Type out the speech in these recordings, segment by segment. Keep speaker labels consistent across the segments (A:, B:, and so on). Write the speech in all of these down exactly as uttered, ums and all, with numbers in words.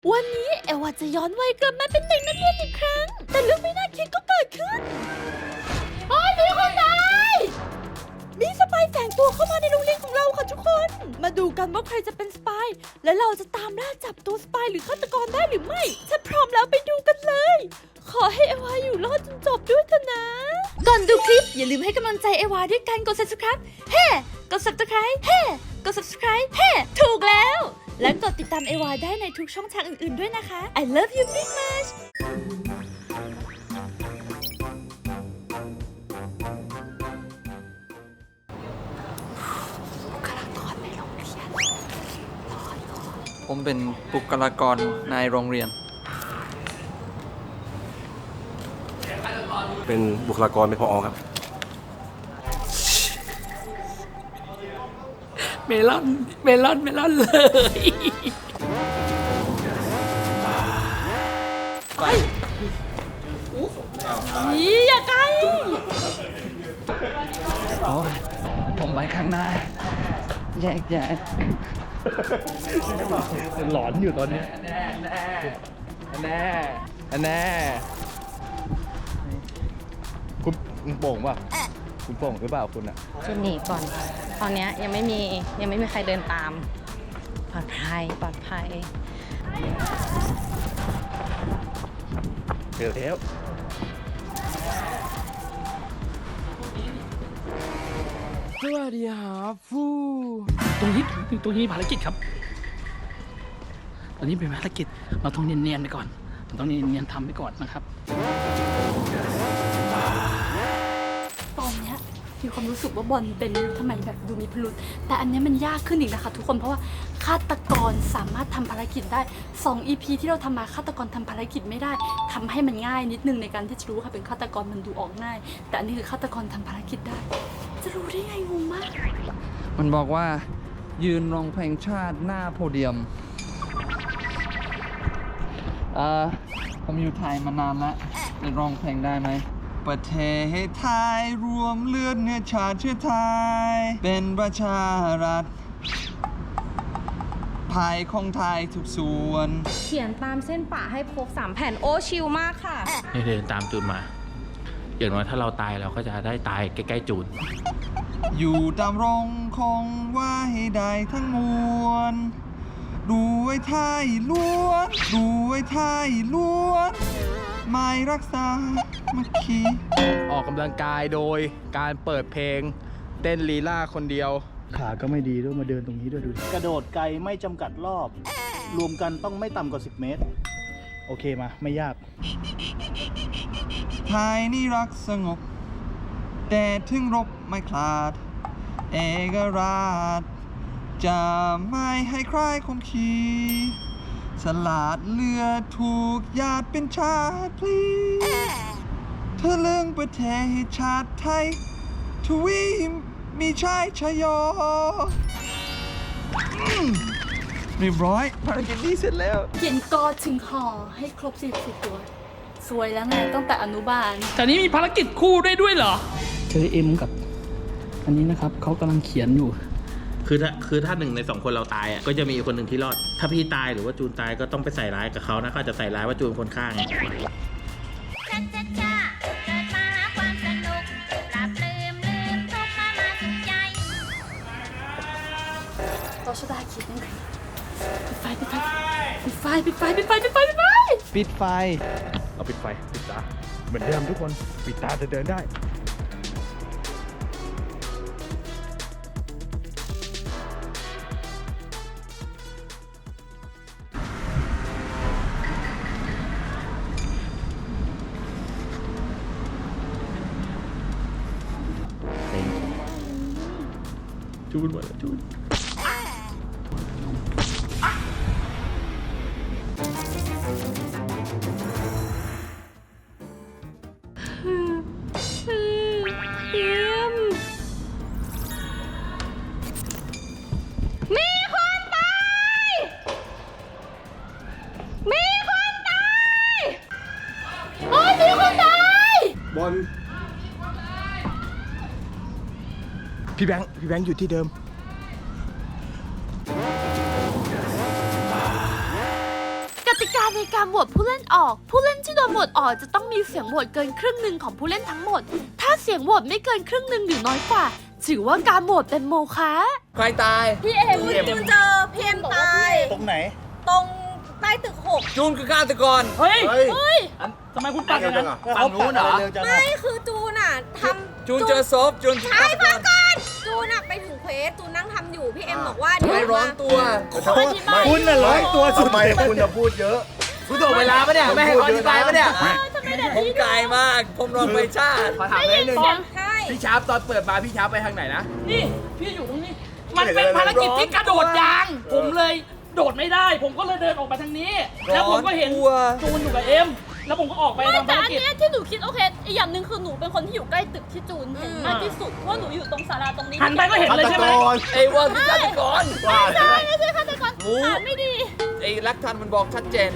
A: วันนี้เอวาจะย้อนวัยกลับมาเป็นเด็กนักเรียนอีกครั้งแต่เรื่องไม่น่าคิดก็เกิดขึ้นโอ้ยมีคนตายมีสปายแฝงตัวเข้ามาในโรงเรียนของเราค่ะทุกคนมาดูกันว่าใครจะเป็นสปายและเราจะตามล่าจับตัวสปายหรือฆาตกรได้หรือไม่ถ้าพร้อมแล้วไปดูกันเลยขอให้เอวาอยู่รอดจนจบด้วยเถอะนะก่อนดูคลิปอย่าลืมให้กำลังใจเอวาด้วยการกด ซับสไครบ์ เฮ้กด ซับสไครบ์ เฮ้กด ซับสไครบ์ เฮ้ถูกแล้วและกดติดตามเอวาได้ในทุกช่องทางอื่นๆด้วยนะคะ I love you big much บุคลากรในโรงเรียน
B: ผมเป็นบุคลากรในโรงเรียน
C: เป็นบุคลากรเป็นผอ.ครับ
D: เมลอนเมลอนเมลอนเลย
A: ไปอย่าไกล
D: โอ้ยผมไปข้างหน้าแยกแยกหลอนอยู่ตอนนี้แน่แน่แน่แน่คุณคุณโป่งป่ะคุณโป่งหรือเปล่าคุณอ่ะ
E: จะหนีก่อน ตอนนี้ยังไม่มียังไม่มีใครเดินตามปลอดภัยปลอดภัย
D: เจอแล้วสวัสดีครับฟูตรงนี้ตรงนี้ภารกิจครับตอนนี้เป็นภารกิจเราต้องเนียนๆไปก่อนเราต้องเนียนๆทำไปก่อนนะครับ
A: ตอนเนี้ยมีความรู้สึกว่าบอลเป็นทำไมแบบดูมีพิรุธแต่อันนี้มันยากขึ้นอีกนะคะทุกคนเพราะว่าฆาตกรสามารถทำภารกิจได้สอง อี พี ที่เราทำมาฆาตกรทำภารกิจไม่ได้ทำให้มันง่ายนิดนึงในการที่จะรู้ว่าเป็นฆาตกรมันดูออกง่ายแต่อันนี้คือฆาตกรทำภารกิจได้จะรู้ได้ไงงงมาก
B: มันบอกว่ายืนร้องเพลงชาติหน้าโพเดียมเอ่อผมอยู่ไทยมานานแล้วจะร้องเพลงได้ไหมประเทศไทยรวมเลือดเนื้อชาติเชื้อไทยเป็นประชารัฐภายของไทยทุกส่วน
E: เขียนตามเส้นป่าให้ครบสามแผ่นโอ้ชิลมากค่ะ
F: เดินตามจูนมาอย่างน้อยถ้าเราตายเราก็จะได้ตายใกล้ๆจูน
B: อยู่ตามรงคงว่าให้ได้ทั้งมวลดูไว้ไทยล้วนดูไว้ไทยล้วนไม่รักษามัคคี
D: ออกกำลังกายโดยการเปิดเพลงเต้นลีลาคนเดียวขาก็ไม่ดีด้วยมาเดินตรงนี้ด้วยดู
G: กระโดดไกลไม่จำกัดรอบรวมกันต้องไม่ต่ำกว่าสิบเมตรโอเคมาไม่ยาก
B: ไทยนี่รักสงบแต่ถึงรบไม่คลาดเอกราชจะไม่ให้ใครคมขีสลาดเลือดถูกญาติเป็นชาติพลีเธอเรื่องประเทศชาติไทยทวีมีชายชยโยเรียบร้อยภารกิจนี้เสร็จแล้ว
A: เขียนกอถึงห่อให้ครบสี่สิบตัวสวยแล้วไงตั้งแต่อนุบาล
D: แต่นี้มีภารกิจคู่ได้ด้วยเหรอเจอเอ็มกับอันนี้นะครับเขากำลังเขียนอยู่
F: คือถ้าคือถ้าหนึ่งในสองคนเราตายอ่ะก็จะมีคนหนึ่งที่รอดถ้าพี่ตายหรือว่าจูนตายก็ต้องไปใส่ร้ายกับเขานะเขาจะใส่ร้ายว่าจูนคนฆ่าไง
A: ต่อชะตาคิดนั่นคือปิดไฟปิดไฟปิดไฟปิดไฟปิดไฟปิดไฟปิดไฟ
D: ปิดไฟเราปิดไฟปิดตาเหมือนเดิมทุกคนปิดตาจะเดินได้จูนหมดแล้วจูน
E: มีคนตายมีคนตาย
A: โอ้ยมีคนตาย
G: บอล
D: พี่แบงค์พี่แบงค์อยู่ที่เดิม
A: กติกาในการโหวตผู้เล่นออก ผู้เล่นที่โดนโหวตออกจะต้องมีเสียงโหวตเกินครึ่งหนึ่งของผู้เล่นทั้งหมด ถ้าเสียงโหวตไม่เกินครึ่งหนึ่งหรือน้อยกว่า ถือว่าการโหวตเป็นโมฆะ
B: ใครตาย
A: พี่เอ็ม
C: จูนเจอพี่เอ็มตาย
G: ตรงไหน
C: ตรงใต้ตึกหก
B: จูนคือฆาตกร
D: เฮ้ย
G: เฮ้ย
A: เฮ้ย
D: ทำไมคุณปัดอย่างนั้น
G: ฝั่งนู้นเหรอเร็วจังอะ
C: ไม่คือจูนอ่ะทำ
B: จูนเจอศพจูนคือ
C: ใช่
B: ฆาตก
C: ฟัง
B: ร
C: ก่อนจูนอ่ะไปถึงเควสจูนนั่งทำอยู่พี่เอ็มบอกว่าเดี๋ยว
B: ไม่ร้อน
C: มา
B: ตัว
G: คุณน่ะร้อยตัวสุดทำไมคุณจะพูดเยอะ
B: คุณถ่วงเวลาปะเนี่ย ไม่ให้เขาอธิบายปะเนี่ย
A: ทำไมแบบ
B: ผม
A: นี้
B: กายมาก ผมรองไปชาติ
H: ขอถามนิดนึง
C: ใช่
H: พี่ชาร์ปตอนเปิดมาพี่ชาร์ปไปทางไหนนะ
D: นี่พี่อยู่ตรงนี้ มันเป็นภารกิจที่กระโดดยาง ผมเลยโดดไม่ได้ ผมก็เลยเดินออกมาทางนี้ แล้วผมก็เห็น
B: ร้อนตัว
D: จูนอยู่กับเอ็ม แล้วผมก็ออกไป
A: ไม่
D: ทำ
A: แต่
D: ภาร
A: อัน
D: กิจ
A: เนี้ยที่หนูคิดโอเคอีกอย่างหนึ่งคือหนูเป็นคนที่อยู่ใกล้ตึกที่จูนเห็นมากที่สุดเพราะหนูอยู่ตรงศาลาตรงนี้
D: หันไปก็เห็นเลยใช่ไหม
B: ไอ้ว่าคือฆาตกร
A: ไม่ใช่ไม่ใช่ฆาตกร
B: หมู
A: อ่านไม่ดี
B: ไอ้ลักทันมันบอกชัดเจน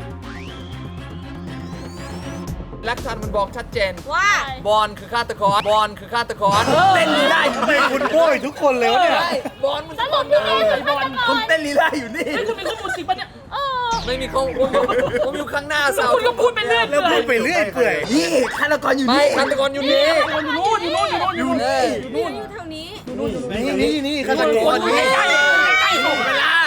B: ลักทันมันบอกชัดเจน
C: ว่า
B: บอลคือฆาตกร บอลคือฆาตกร
H: เต้นลีลาอยู่
G: ทำไมคุณโวยทุกคนเลยวะเนี่ย
B: ใช่บอลมัน
A: ส
B: คือ
A: รุ
B: บอ
A: ป
B: ล
A: พี่เอ็ม
B: เล
A: คือย ฆาตก
H: คุณ
A: ร
H: เต้นลีลาอยู่นี่
D: นี่คือมีข้อมูลจริงปะเนี่ย
A: เออ
B: ไม่มีเขาผมอยู่ผมอยู่ข้างหน้า
D: แล้ว
B: เสา
D: คุณก็พูดไปเรื่อย
G: แล้วพูดไปเรื่อยเปื่อย
H: นี่ฆาตกรอยู่
B: ไม่
H: นี่
B: ฆาตกรอยู่นี่
D: อยู่นู่นอยู่นู่นอยู่นู่นอยู่นู่น
B: เออ
C: พี่อยู่แถวนี้
G: นี่นี่นี่ฆาตกร
D: อยู่ใกล้ๆใกล้ๆส่งเวลา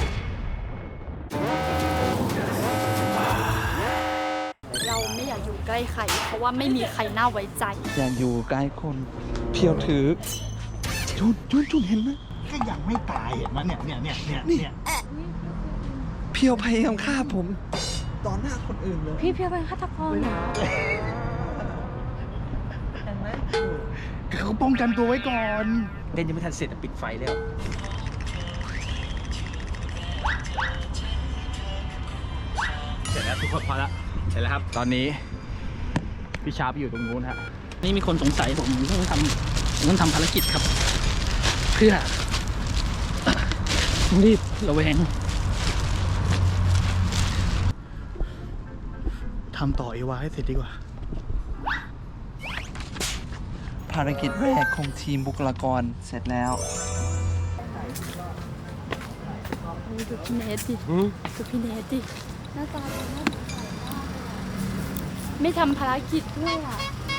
A: เราไม่อยากอยู่ใกล้ใคร เพราะว่าไม่มีใครน่าไว้ใจ
B: อยากอยู่ใกล้คนเพียวถือจูนจูนจูนเห็นไหม
G: ก็ยังไม่ตายเห็นไหมเนี่ยเนี่ยเนี่ยเนี่ยเนี่ย
B: เพียวพยายามฆ่าผมต่อหน้าคนอื่นเลย
E: พี่เพียวเป็นฆาตกรเหรอ
G: เขาป้องกันตัวไว้ก่อน
H: เล่นยังไม่ทันเสร็จอะปิดไฟแล้ว เสร็จแล้วทุกคนพอแล้วเสร็จแล้วครับ ตอนนี้พี่ชาร์ปอยู่ตรงนู้นฮะ
D: นี่มีคนสงสัยผมต้องทำผมต้องทำภารกิจครับ เพื่อต้องรีบระแวง
G: ทำต่อเอวาให้เสร็จดีกว่า
B: ภารกิจแรกของทีมบุคลากรเสร็จแล้ว
A: ดูพี่เนทดิดูพี่เนทดิหน้าตาดูน่าสงสารมากไม่ทำภารกิจด้วยอ่ะ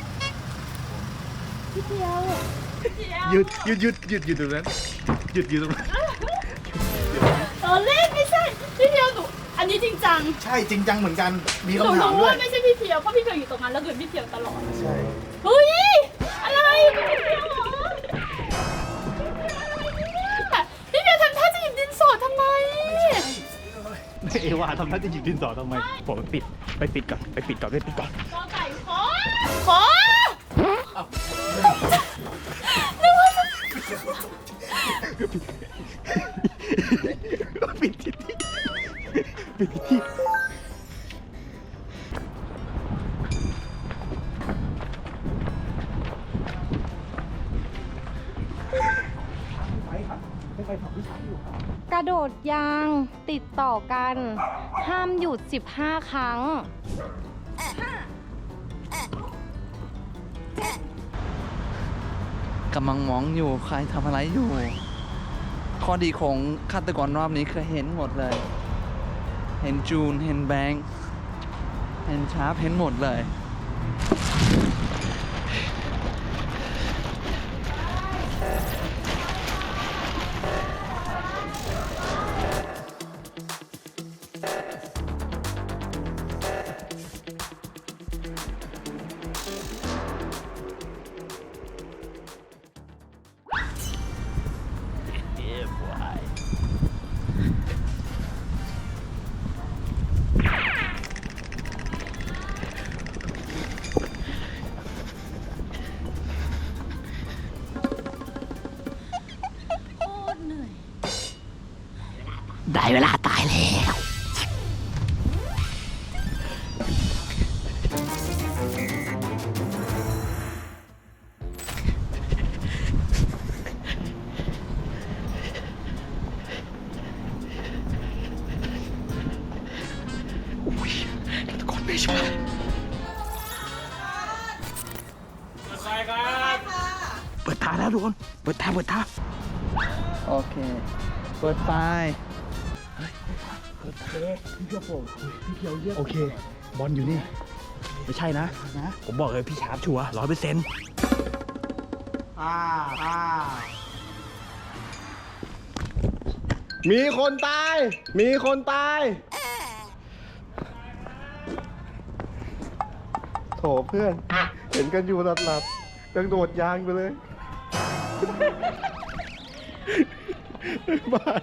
A: พี่เพียว
G: หยุดหยุดหยุดหยุดหยุดตรงนั้นหยุดหยุดตรงนั้น
A: ตอนเล่นไม่ใช่ พี่เพียวหนู อันนี้จริงจัง
G: ใช่จริงจังเหมือนกัน มี
A: หนู
G: คำถาม
A: รู้
G: ด้วย
A: ว่าไม่ใช่พี่เพียวเพราะพี่เพียวอยู่ตรงนั้นแล้วเกิดพี่เพียวตลอด
G: ใช่
A: เฮ้ย อะไรพี่เพียวเหรอพี่เพียวทำท่าจะหยิบดินสอทำไม
G: เอวาทำท่าจะหยิบดินสอทำไมผมไปปิดไปปิดก่อนไปปิดก่อนไปปิดก่อน
A: กอไก่ขอ ขอนึกว่าจะ
G: ปิดที่ปิดที่
E: กระโดดยางติดต่อกัน ห้ามหยุด สิบห้า ครั้ง
B: กำลังมองอยู่ใครทำอะไรอยู่ ข้อดีของฆาตกรรอบนี้คือเห็นหมดเลย เห็นจูน เห็นแบงค์ เห็นชาร์ปเห็นหมดเลย
D: ได้เวลาตายแล้ว อุ้ยตะโกนไม่ใช่เปิดตาแล้วทุกคน เปิดตาเปิดตา
B: โอเค เปิดไฟ
G: พี่เพียวโผล่พี่เพียวเรียกโอเคบอลอยู่นี่ไม่ใช่นะนะผมบอกเลยพี่ชาร์ปชัวร์ร้อยเปอร์เซ็นต์
B: อ่าอ่า
I: มีคนตาย มีคนตาย โถเพื่อน เห็นกันอยู่หลับๆยังโดดยางไปเลยบาย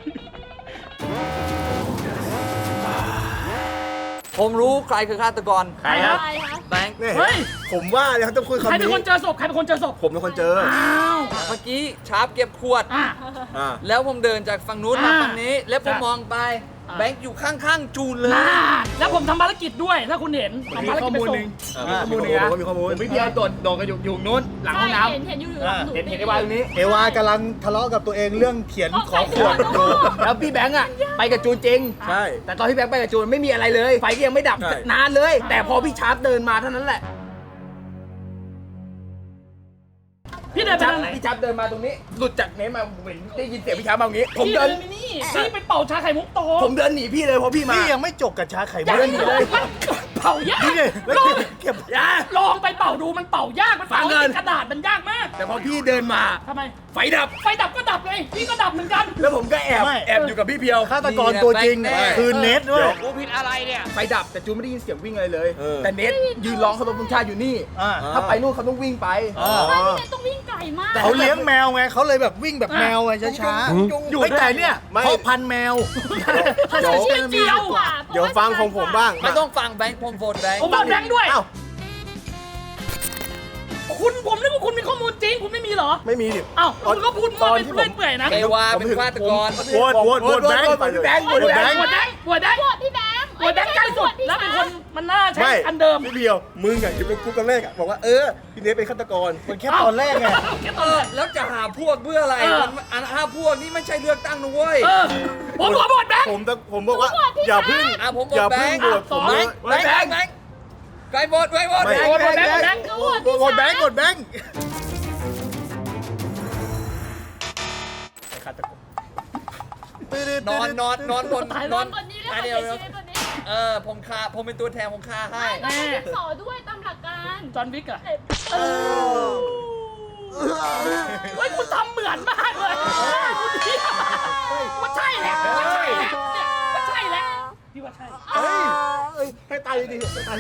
B: ผมรู้ใครคือฆาตกร
D: ใครครับ
B: แบงค์
I: เนี่ย
D: เฮ้ย
I: ผมว่าเนี่ยเขาต้องคุย
D: ใคร
I: คำ
D: เป็น
I: นี้
D: คนเจอศพใครเป็นคนเจอศพ
I: ผมเป็นคนเจอ
D: อ้าว
B: เมื่อกี้ชาร์ปเก็บขวด
D: อ่ะ
I: อ่า
B: แล้วผมเดินจากฝั่งนู้นมา
D: อ่า
B: ฝั่งนี้ แล้วผม
D: จ้ะ
B: มองไป
D: อ่า
B: แบงค์อยู่ข้างๆจูนเลย
D: น่าแล้วผมทำภารกิจด้วย ถ้าคุณเห็นทำภารกิจไปส่ง
I: มีข้อมูลหนึ่งนะมีข้อมูล
H: พี่เพียวโดดโดดกันอยู่อยู่นู้นหลังห้องน้
A: เห็นเห็นอยู่หลังหนู
H: ำเห็นเห็นไอ้วายตรงนี้
G: เอวากำลังทะเลาะกับตัวเองเรื่องเขียนขอขวดอยู่
H: แล้วพี่แบงค์อ่ะไปกับจูนจริง
I: ใช่
H: แต่ตอนที่แบงค์ไปกับจูนไม่มีอะไรเลย ไฟก็ยังไม่ดับ
I: ใช่
H: นานเลย แต่พอพี่ชาร์ปเดินมาเท่านั้นแหละ
D: พี่เดินไป
H: ชา
D: ทาง
H: ร์ป
D: ไหน
H: พี่ชาร์ปเดินมาตรงนี้ หลุดจากเน้นมาผมเห็นได้ยินเสียงพี่ชาร์ปมาตรงนี้ ผม
D: พี่
H: เดิ
D: เดิ
H: น
D: นไปนี่พี่ไปเป่าชาไข่มุกโต
H: ผมเดินหนีพี่เลยเพราะพี่มา
G: พี่ยังไม่จบกับชาไข่มุ
H: เดินหนีเลย
D: มันเป่ายาก
G: นี่ไงแล้ว
D: ลอง
G: เก็บ
H: อย่า
D: ลองไปเป่าดูมันเป่ายากมันเป่า
H: ฟังก่อน
D: ติดกระดาษมันยากมาก
H: แต่พอพี่เดินมา
D: ทำไม
H: ไฟดับ
D: ไฟดับก็ดับเลยพี่ก็ดับเหมือนกัน
H: แล้วผมก็แอบ
G: ไม่
H: แอบอยู่กับพี่เพียว
G: ฆาตกรตัวจริง
B: แน่
G: คือเนทด้วย
H: กูผิดอะไรเนี่ย ไฟดับแต่จูนไม่ได้ยินเสียงวิ่งอะไรเลย
I: เออ
H: แต่เน็ตยืนร้องเคารพธงชาติอยู่นี่
G: อ่า
H: ถ้าไปนู่นเขาต้องวิ่งไป
G: อ๋อ
A: ใช่พี่เนทต้องวิ่งไกลมาก
G: เขาเลี้ยงแมวไงเขาเลยแบบวิ่งแบบแมวไงช้า
H: จุง
G: ๆ
H: อยู่
G: ไม่แต่เนี่ย
I: ไม่
G: เพราะพันธุ์แมว ถ้า
I: เดี๋ยว
G: ใช้ชื่อ
D: เจียว
A: กว่า
I: เดี๋ยวฟังของผมบ้าง
B: ไม่ต้องฟังแบงค์ผมโหวตแบงค์
D: ผมบอกแบงค์ด้วย
I: อ้าว
D: คุณผมนึกว่าคุณมีข้อมูลจริงคุณไม่มีเหรอ
I: ไม่มีดิ
D: อ้าวคุณก็พูด
I: ต
D: มา
I: อน
D: เป็น
I: ที่ผม
D: เรื่อยเปื่อยนะ
B: เอวาเป็นฆาตกร
G: โหวตโหวตโหวตแบงค์
H: โหวตพี่แบงค์โหวตพี่แบงค์
D: หัวแดงหัวแดง
A: โหวตพี่แบงค์
D: หัวแดงใกล้สุดแล้วเป็นคนมันน่าใช้
I: ไม่
D: อันเดิม
I: พี่เพียว มึงอะอยู่เป็นกูตอนแรกอะบอกว่าเออ พี่เนทเป็นฆาตกร
G: มันแค่ตอนแรกไง
D: แค่
B: เอ
D: ตอน
B: อ
D: แรก
B: แล้วจะหาพวกเพื่ออะไร
D: เออ
B: มันอันห้าพวกนี่ไม่ใช่เลือกตั้งนะเว้ย
D: เออผมขอโหวตแบงค์
I: ผมตะผมบอกว่า อย่าพึ่ง
B: อ่ะผม
I: อย่า
B: โหวต
I: พึ่ง
B: แบงค์
I: โหวตผม
B: แบ
I: เลย
B: งค์แบงค์แบงค์แบงค์ใครโหวตใครโหวต
I: ไม่
D: โหวตแบงค์โหวตแบงค์
A: ก็โหวต
G: ก
A: พี่
G: ดแบงค์กดแบงค์
B: นอนนอนนอนบนนอน
A: คนนี้แล้ว
B: อัน
A: คน
B: เดียว
A: เสียชีวิตคนนี้
B: เออผมฆ่าผมเป็นตัวแทนผมฆ่าให้
A: ไม่ต้องเป็นสอด้วยตามหลักการ
D: จอห์นวิกอะ
A: เออ
D: เฮ้ยคุณทำเหมือนมากเลยคุณเดียวว่าใช่แหละว่าใช่แหละเนี่ยว่าใช่แหละพี่ว่าใช่
I: เฮ้ยเอ้ยให้ตายดีๆให้ตาย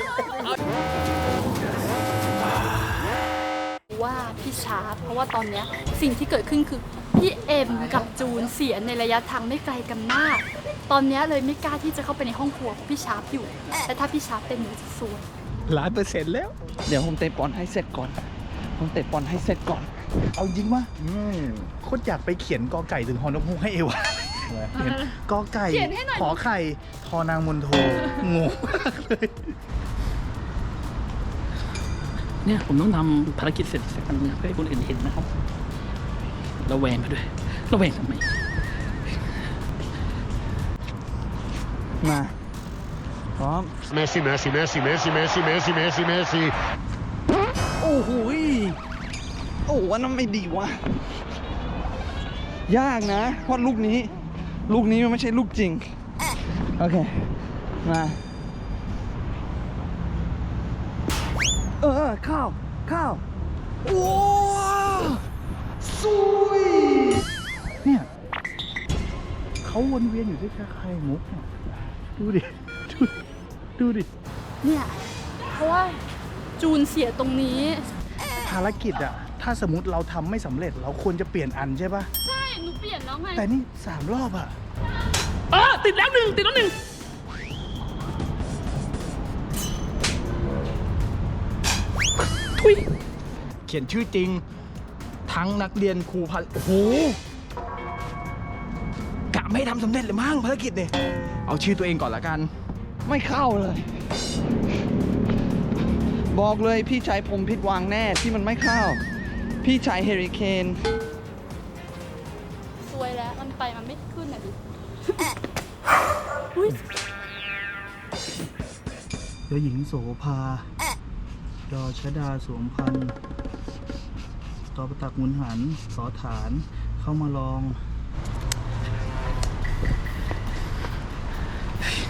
A: ว่าพี่ชาร์ปเพราะว่าตอนเนี้ยสิ่งที่เกิดขึ้นคือพี่เอ็มกับจูนเสียในระยะทางไม่ไกลกันมาก ตอนเนี้ยเลยไม่กล้าที่จะเข้าไปในห้องครัวเพราะพี่ชาร์ปอยู่แต่ถ้าพี่ชาร์ปเป็นหนูจะซวย
G: ล้านเปอร์เซ็นต์แล้ว
B: เดี๋ยวผมเตะบอลให้เสร็จก่อน ผมเตะบอลให้เสร็จก่อน
G: เอาจริงปะโคตรอยากไปเขียนกอไก่ถึงฮอนกฮูกให้เอวาเขียนกอไก่
A: เขียนให้หน่อย
G: ขอไข่ทอนางมนโทงงมากเลย
D: เนี่ยผมต้องทำภารกิจเสร็จสักอันหนึงเพื่อให้คนอื่นเห็นนะครับระแวงไปด้วยระแวงทำไม
B: มา พร้อม
J: Messi, Messi, Messi, Messi, Messi, Messi, Messi, Messi.
B: โอ้โหยโอ้ว่านั่นไม่ดีวะ ยากนะ เพราะลูกนี้ ลูกนี้มันไม่ใช่ลูกจริง โอเค มา เออ ข้าว ข้าว โอ้สุย
G: เนี่ยเขาวนเวียนอยู่ที่ชาไข่มุกเนี่ยดูดิ ดูดิดูดิ
A: เนี่ยเพราะว่าจูนเสียตรงนี้
G: ภารกิจอะถ้าสมมติเราทำไม่สำเร็จ เราควรจะเปลี่ยนอันใช่ปะ
A: ใช่หนูเปลี่ยนแล้วไง
G: แต่นี่สามรอบอะ
D: เออติดแล้วหนึ่งติดแล้วหนึ่งทุย
H: เขียนชื่อจริง ทั้งนักเรียนครูพันโอ้โหกะไม่ให้ทำสำเร็จเลยมั้งภารกิจเนี่ยเอาชื่อตัวเองก่อนละกัน
B: ไม่เข้าเลย บอกเลยพี่ชายผมผิดหวังแน่ที่มันไม่เข้า พี่ชายเฮริเคน
A: ซวยแล้วมันไปมันไม่ขึ้นอ่ะดิ
G: เจ้าหญิงโสภาดอชดาสวมพันธ์ตอประตักหมุนหันสอฐานเข้ามาลอง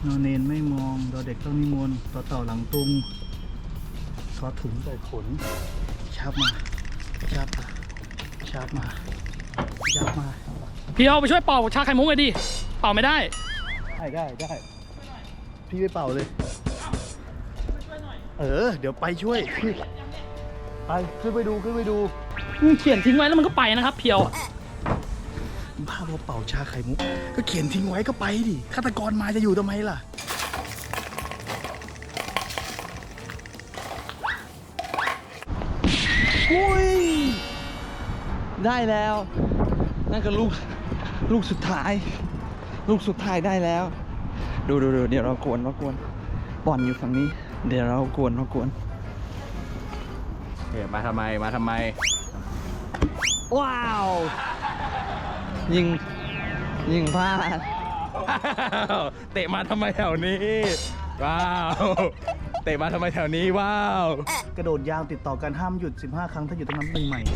G: นอนเนนไม่มองดอเด็กต้องนิมนต์ต่อเต่าหลังตุงทอถุงใส่ขนชับมาชับมาชับมาชับมา
D: พี่เอาไปช่วยเป่าชาไข่มุกเลยดิ เป่าไม่ได้
G: ได้ได้ได้พี่ไปเป่าเลย เออ เดี๋ยวไปช่วยพี่ไปขึ้นไปดูขึ้นไปดู
D: เขียนทิ้งไว้แล้วมันก็ไปนะครับ เพียวอะ
G: บ้าบอเป่าชาไข่มุกก็เขียนทิ้งไว้ก็ไปดิฆาตกรมาจะอยู่ทำไมล่ะ
B: อุ้ย ได้แล้ว นั่นก็ลูก ลูกสุดท้าย ลูกสุดท้ายได้แล้ว ดูดูดูเดี๋ยวเรากวนเรากวนบอลอยู่ฝั่งนี้ เดี๋ยวเรากวนเรากวน
H: เฮ้ยมาทำไม มาทำไม
B: ว้าว ยิง ยิงพลาด
H: เตะมาทำไมแถวนี้ ว้าว เตะมาทำไมแถวนี้ ว้าว
G: กระโดดยาวติดต่อกันห้ามหยุดสิบห้าครั้งถ้าหยุดต้องนับหนึ่งใหม่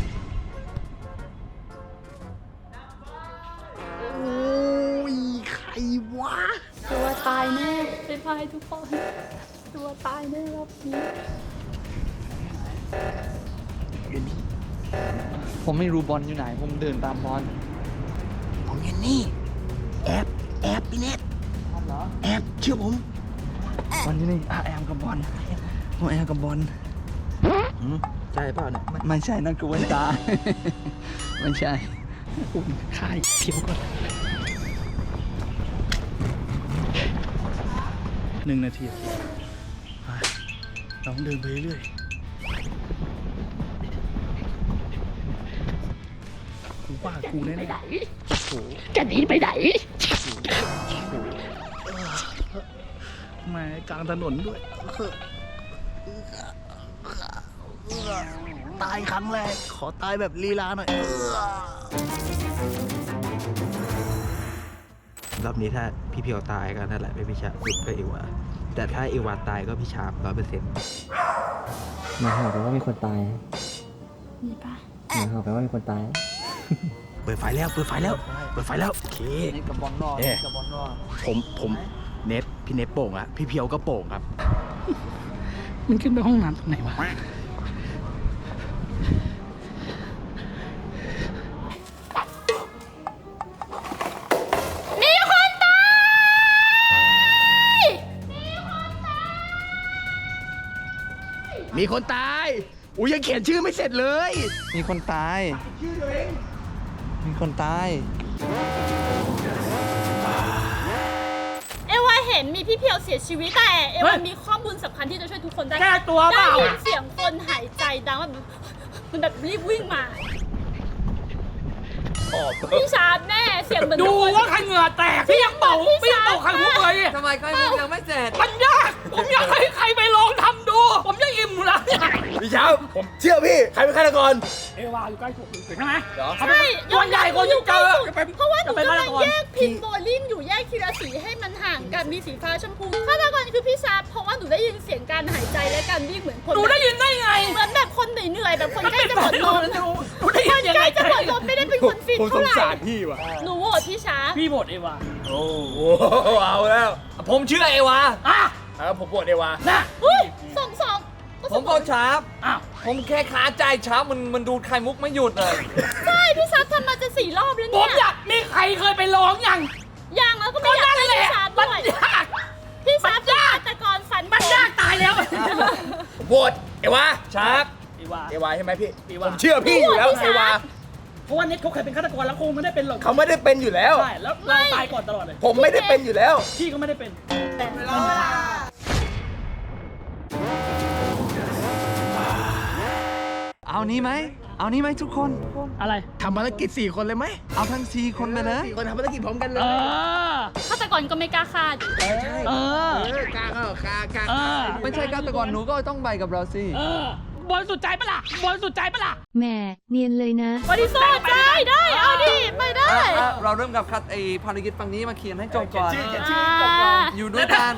G: โอ้ยใครวะ
A: ตัวตายแน่เป็นพายทุกคน ตัวตายแน่รอบนี้
B: ผมไม่รู้บอลอยู่ไหน ผมเดินตามบอล
G: ผมเห็นนี่แอบแอบพี่เน็ตแอบเชื่อผม
B: บอลอยู่นี่อ่ะแอมกับบอลผมแอมกับบอล
F: ใช่เปล่าเนี่ย
B: ไม่ใช่นั่นคือเวนตา ไม่ใช่
D: อุ่นค่ายเพียวก่อน
G: หนึ่งนาทีไปเราต้องเดินไปเรื่อยกูว่ากูแน่ๆโอ้โห
D: จะหนีไปไหน
G: แหมกลางถนนด้วยตายครั้งแรก ขอตายแบบลีลาหน่อย
F: รอบนี้ถ้าพี่เพียวตายก็นั่นแหละไม่พี่ชาปุ๊บก็เอวาแต่ถ้าเอวาตายก็พี่ชาบร้อยเปอร์เซ็นต์
K: หมายความว่ามีคนตาย
A: มีปะ
K: หมายความว่ามีคนตาย
G: เปิดไฟแล้ว เปิดไฟแล้ว เปิดไฟแล้ว โอเค
B: นี่กับบอลนอก
G: เอ๊ะ
B: นี่กับบอลนอก
G: ผมผมเน็ตพี่เน็ตโป่งอะพี่เพียวก็โป่งครับ
D: มันขึ้นไปห้องน้ำตรงไหนวะ
A: มีคนตาย
G: มีคนตาย อุ้ยยังเขียนชื่อไม่เสร็จเลย
B: มีคนตาย มีคนตาย
A: เอวาเห็นมีพี่เพียวเสียชีวิตแต่เอ
D: เฮ้
A: วาย มีข้อมูลสำคัญที่จะช่วยทุกคนได้
D: แก้ตัวเป
A: ได้
D: ล่า
A: ยินเสียงคนหายใจดังแบบมันแบบรีบวิ่งมาพี่ชาร์ปแน่เสียงเหมือน
D: ดู
A: คน
D: ว่าใครเหงื่อแตก พี่ยังเป่าพี่ยังเป่าไข่มุกเลย
B: ทำไมก็ยังไม่เสร็จ
D: มันยาก ผมอยากให้ใครไปลองทำดู ผมจะอิ่มแล้วเนี่ย
G: พี่เช้าผมเชื่อพี่ ใครเป็นฆาตกร
D: เอวาอยู่ใกล้ผมใช่ไหม
A: ใช่
D: ตัวใหญ่กว่าที่เจอจะเป็น
A: เพราะว่าหนู
D: จะเป็น
A: กำลัง
D: ฆาตกร
A: แยกพินโบลิ่งอยู่แยกทีละสีให้มันห่างกันมีสีฟ้าชมพูฆาตกรคือพี่ชาร์ปเพราะว่าหนูได้ยินเสียงการหายใจและการวิ่งเหมือนคน
D: หนูได้ยินได้ไง
A: เหมือนแบบคนเหนื่อยๆแบบคนใกล้จะหมดลม
D: หนูได้ยินยัง
A: ใก
D: ไง
A: ล้จะหมดลมไม่ได้เป็นคนฟิต
H: ผมส
A: เท่าง ไหร่
H: สารพี่ว่ะ
A: หนูโหวตพี่ชาร์ป
D: พี่บทเอวา
H: โอ้โหเอาแล้ว ผมเชื่อเอวา
D: อ่ะ
H: เออผมบวชเอวา
D: น่ะ
A: เฮ้ยสองสอง
B: ผมบอกชาร์ป
D: อ้าว
B: ผมแค่ขาใจชาร์ปมันมันดูดไข่มุกไม่หยุดเลย
A: ใช่พี่ชาร์ปทำมาจะสี่รอบแล้ว
D: ผ
A: เนี่
D: ม
A: ย
D: อยากมีใครเคยไปลองยัง
A: ยังแล้วก็ไม่อยากให้พี่ชาร์ป
D: มั
A: ด้
D: น
A: วย
D: ยาก
A: พี่ชาร์ปเป็นฆาตกรฝัน
D: มันยากตายแล้ว
H: บวชเอวาชาร์ป
D: เอวา
H: เอวาใช่ไหมพี่
D: เอวา
H: ผมเชื่อพี่อยู่แล้วเอวา
D: เพราะว่าเน็ตเขาเคยเป็นฆาตกรแล้วคงไม่ได้เป็นหรอก
H: เขาไม่ได้เป็นอยู่แล้ว
D: ใช่แล้วเราตายก่อนตลอดเลย
H: ผมไม่ได้เป็นอยู่แล้ว
D: พี่ก็ไม่ได้เป็น
B: เอานี้ไหม เอานี้ไหมทุกคน
D: อะไร
G: ทำภารกิจสี่คนเลยไหม
B: เอาทั้งสี่คนไปเลย
G: สี่คนทำภารกิจพร้อมกันเล
D: เอย อ
A: ฆาตกรก็ไม่กล้าฆ่า
D: เออ
G: เออกล้าเข้ากล้ากล้า
D: เออ
B: ไม่ใช่ฆาตกรหนูก็ต้องไปกับเราสิ
D: เออบอลสุดใจปะล่ะบอลสุดใจปะล่ะ
E: แหมเนียนเลยนะ
A: บริสุทธิ์ได้ได้เอาดิไม่ได้
B: อ่ะเราเริ่มกับคัดไอภารกิจฝั่งนี้มาเขียนให้จบก่อน
A: อ่า
B: อยู่ด้วยกัน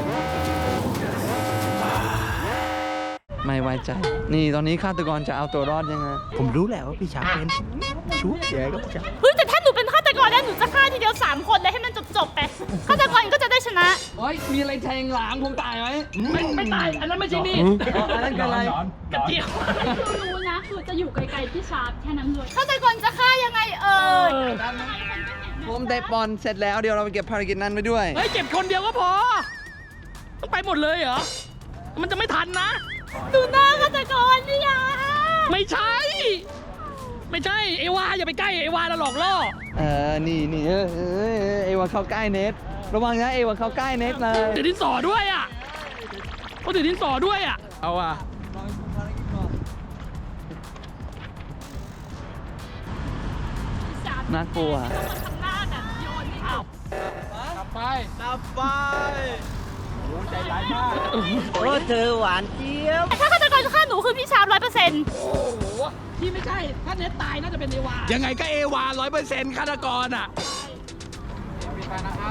B: ไม่ไว้ใจ นี่ตอนนี้ฆาตกรจะเอาตัวรอดยังไง
G: ผมรู้แหละว่าพี่ช้างเป็นชุบแย่ก็พี่ช้าง
A: เฮ้ยแต่ถ้าหนูเป็นฆาตกรแล้วหนูจะฆ่าทีเดียวสามคนเลยให้มันจบๆไปฆาตกรก็จะได้ชนะ
D: โอ้ยมีอะไรแทงหลังผมตายไหมไม่ไม่ตายอันนั้นไม่ใช่มีด
B: อันนั้นคืออะไร
D: กระเจียว
A: รู้นะคือจะอยู่ไกลๆพี่ชาร์ปแค่นั้นเลยฆาตกรจะฆ่ายังไงเอ่ย
B: ผมได้บอลเสร็จแล้วเดี๋ยวเราไปเก็บภารกิจนั้นไปด้วย
D: เฮ้ยเก็บคนเดียวก็พอต้องไปหมดเลยเหรอมันจะไม่ทันนะ
A: ดูหน้าฆาตกรนี่ยา
D: ไม่ใช่ ไม่ใช่เอวาอย่าไปใกล้เอวาเราหลอกล่อ
B: เออ นี่นี่เออเออเออเอวาเข้าใกล้เน็ตระวังนะเอวาเข้าใกล้เน็ตเลย
D: ถือดินสอด้วยอ่ะเขาถือดินสอด้วยอ่ะเอาอ่ะ
B: น่ากลัว
A: ทำหน้าแบบโยนนี่เอา
D: กลับไป
B: กลับไป
D: ใจร้ายมาก
B: โอ้เธอหวานเจี๊ยบ
A: ถ้าฆาตกรจะฆ่าหนูคือพี่ชาร์ปร้อยเปอร์เซ็นต์
D: โอ้โหที่ไม่ใช่ถ้าเน็ตตายน่าจะเป็นเอวายังไงก็เอวาร้อยเปอร์เซ็นต์ฆาตกรอ่ะไปนะครับ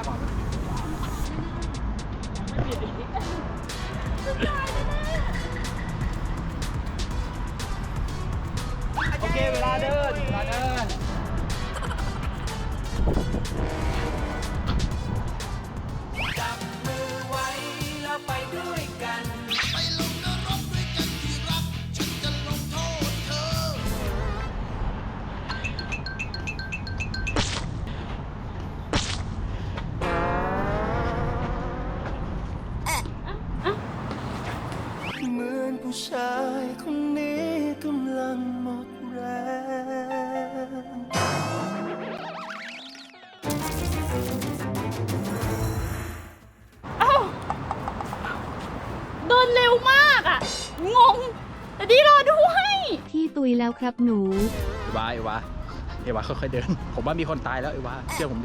B: โอเค เวลาเดิน เวลาเดิน
I: เหมือนผู้ชายคนนี้กำลังหมดแรง
A: เอ้าเดินเร็วมากอ่ะ งง แต่ดีรอด้วย
E: พี่ตุยแล้วครับหนู
H: เอวาเอวาเอวาค่อยๆเดิน ผมว่ามีคนตายแล้วเอวาเชื่อผมดิ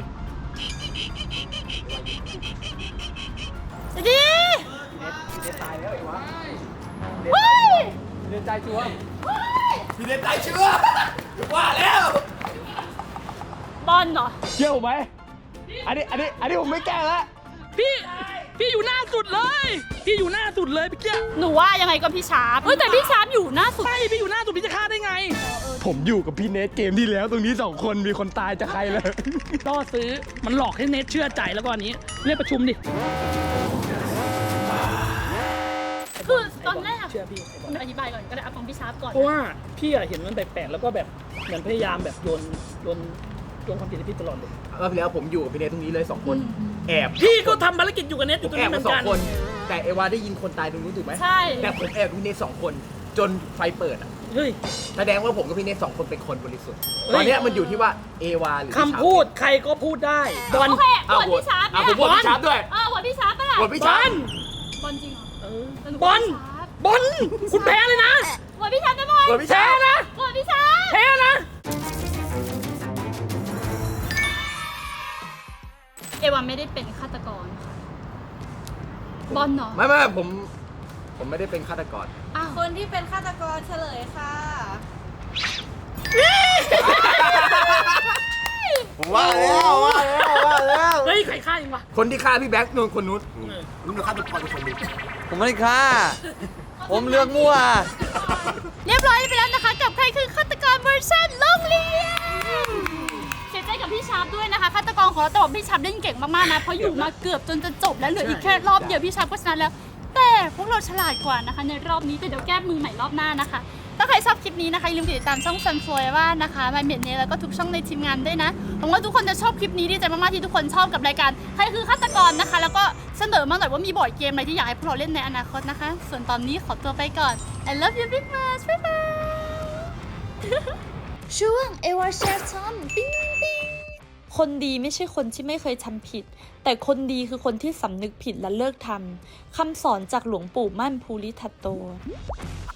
A: ดี
B: พี่เน็ตตายแล้วไอ้วะ
A: เฮ้ย
B: พี่เน็ตตายชัวร์
H: พี่เน็ตตายเชื่อว่าแล้ว
A: บอลเหรอ
H: เชื่อผมไหมอันนี้อันนี้อันนี้ผมไม่แกล้งแล้ว
D: พี่พี่อยู่หน้าสุดเลยพี่อยู่หน้าสุดเลยพี่เจ้า
A: หนูว่ายังไงก็พี่ชาร์ปเฮ้ยแต่พี่ชาร์ปอยู่หน้าสุด
D: ใช่พี่อยู่หน้าสุดพี่จะฆ่าได้ไง
H: ผมอยู่กับพี่เนทเกมที่แล้วตรงนี้สองคนมีคนตายจะใครเลย
D: ล่อซื้อมันหลอกให้เน็ตเชื่อใจแล้วก็อันนี้เรียกประชุมดิ
A: คือตอนแรก
D: เชื่อพี่
A: อธิบายก่อนก็ได้เอาฟังพี่ชาร์ปก่อน
D: เพราะว่าพี่อะเห็นมันแปลกๆแล้วก็แบบเหมือนพยายามแบบโยนโยนโยนความผิดให้พี่ตลอดเลย
H: รอบที่แล้วผมอยู่กับพี่เนทตรงนี้เลยสองคน แอบ
D: พี่ก็ทำภารกิจอยู่กับเน็ตอ
H: ผ
D: ยู่
H: ม
D: ตรง
H: แอ
D: นี้
H: บ
D: เหมื
H: มา
D: อน
H: สอ
D: กั
H: ง
D: น
H: คน แต่เอวาได้ยินคนตายตรงนู้นถูกไหม
A: ใช่
H: แต่ผมแอบพี่เนทสองคน จนไฟเปิดอ่ะ
D: เฮ้ย
H: แสดงว่าผมกับพี่เนทสองคนเป็นคนบริสุทธิ์
D: เฮ้ย
H: ตอนเนี้ยมันอยู่ที่ว่าเอวาหรือ
D: คำพูดใครก็พูดได้บอล
A: โอเค
H: อ้าว
A: โหวตพี่ชาร์ป
H: อ้าว
A: เนี่
H: ผม
A: ย
H: โหวตพี่ชาร์ปด้วย
A: เออโหวตพี่ชาร์ปปะล่ะ
H: โหวตพี่ชาร์ป
A: บอลจริงเหรอ
D: เออ
A: แต่หนู
D: บอล
A: โหวตพี่ชาร์ป
D: บอลคุณแพ้เลยนะ
A: โหวตพี่ชาร์ปได้ไหม
H: โหวตพี่ชาร์ปนะ
A: โหวตพี่ชาร์ป
D: แพ้นะ
A: เอวาไม่ได้เป็นฆาตกรค่ะบอลเหรอ
H: ไม่ไม่ผม ผมไม่ได้เป็นฆาตกร
A: อ้าว
C: คนที่เป็นฆาตกรเฉลยค่ะ
I: ผมว่าแล้วว่าแล้วว่าแล้ว
D: เฮ้ยใครฆ่าเองวะ
H: คนที่ฆ่าพี่แบ็คนู่นคนนู้นนู่นฆาตกรเป็นคนนี้
B: ผมไม่ได้ฆ่า ผมเลือกมั่ว
A: เรียบร้อยไปแล้วนะคะ กับใครคือฆาตกรเวอร์ชันโรงเรียนเสียใจกับพี่ชาร์ปด้วยนะคะฆาตกรของเราแต่ว่าพี่ชาร์ปเล่นเก่งมากๆนะเพราะอยู่มาเกือบจนจะจบแล้วเหลืออีกแค่รอบเดียวพี่ชาร์ปก็ชนะแล้ว แต่พวกเราฉลาดกว่านะคะในรอบนี้แต่เดี๋ยวแก้มือใหม่รอบหน้านะคะถ้าใครชอบคลิปนี้นะคะอย่าลืมติดตามช่อง Sunflower ว่านะคะมาเมียนเนแล้วก็ทุกช่องในทีมงานด้วยนะหวังว่าทุกคนจะชอบคลิปนี้ดีใจมากๆที่ทุกคนชอบกับรายการใครคือฆาตกรนะคะ แล้วก็เสนอมาหน่อยว่ามีบอร์ดเกมอะไรที่อยากให้พวกเราเล่นในอนาคตนะคะ ส่วนตอนนี้ขอตัวไปก่อน I love you big much บ๊ายบายช่วงเอวาแชร์ทอมปิ้งปิ้งคนดีไม่ใช่คนที่ไม่เคยทำผิด แต่คนดีคือคนที่สำนึกผิดและเลิกทำคำสอนจากหลวงปู่มั่นภูริทัตโต